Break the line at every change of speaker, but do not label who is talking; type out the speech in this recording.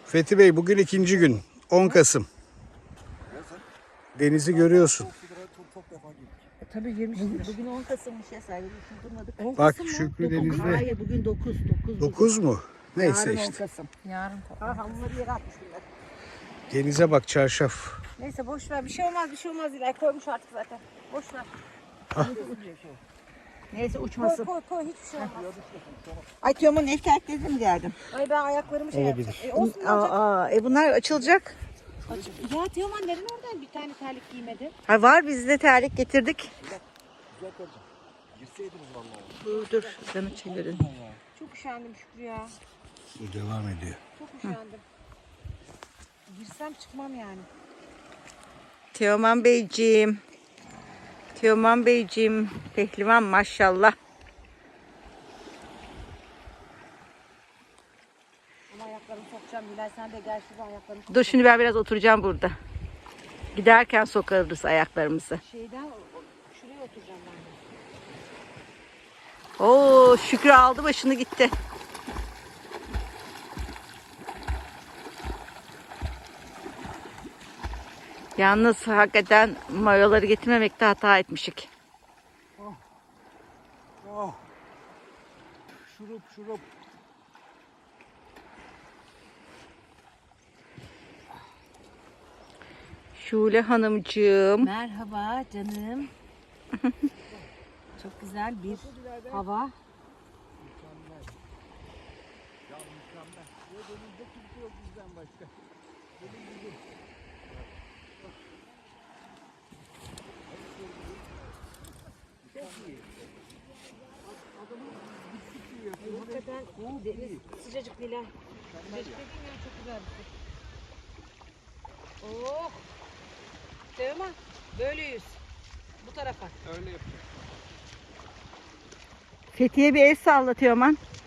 Fethi Bey bugün ikinci gün. 10 Kasım. Denizi görüyorsun.
Tabii girmişiz. Bugün 10 Kasım'mış ya sahibi. Durmadık.
Bak Şükrü denizde.
Hayır bugün 9.
9 mu? Neyse
Yarın 10
işte.
Kasım. Yarın. Ha hamurları yere atmış bunlar.
Denize bak çarşaf.
Neyse boş ver. Bir şey olmaz, bir şey olmaz. İlay koymuş artık zaten. Boş ver. Neyse uçmasın. Koy hiçbir şey olmaz. Ay Teoman'ın ev terkledim geldim. Ay ben ayaklarımı şey
Olabilir.
yapacağım. Olsun bunlar açılacak. Ya Teoman neden oradan bir tane terlik giymedi? Ha var biz de terlik getirdik. Dur canı çevirin. Çok üşendim Şükrü ya.
Devam ediyor.
Çok üşendim. Girsem çıkmam yani. Teoman Beyciğim. Teoman Beyciğim. Pehlivan maşallah. Ama ayaklarımı sokacağım. Bilal sen de gel şurada ayaklarımı sok. Dur şimdi ben biraz oturacağım burada. Giderken sokarız ayaklarımızı. Şuraya oturacağım ben de. Oo Şükrü aldı başını gitti. Yalnız hakikaten mayoları getirmemekte hata etmişik.
Oh. Şurup.
Şule Hanımcığım. Merhaba canım. Çok güzel bir hava. Hakikaten deniz sıcacık Nilay. Sıcacık dediğim ya çok güzel bir su. Oh! Teoman böyle yüz. Bu tarafa. Öyle yapacağım. Fethiye bir el salla Teoman.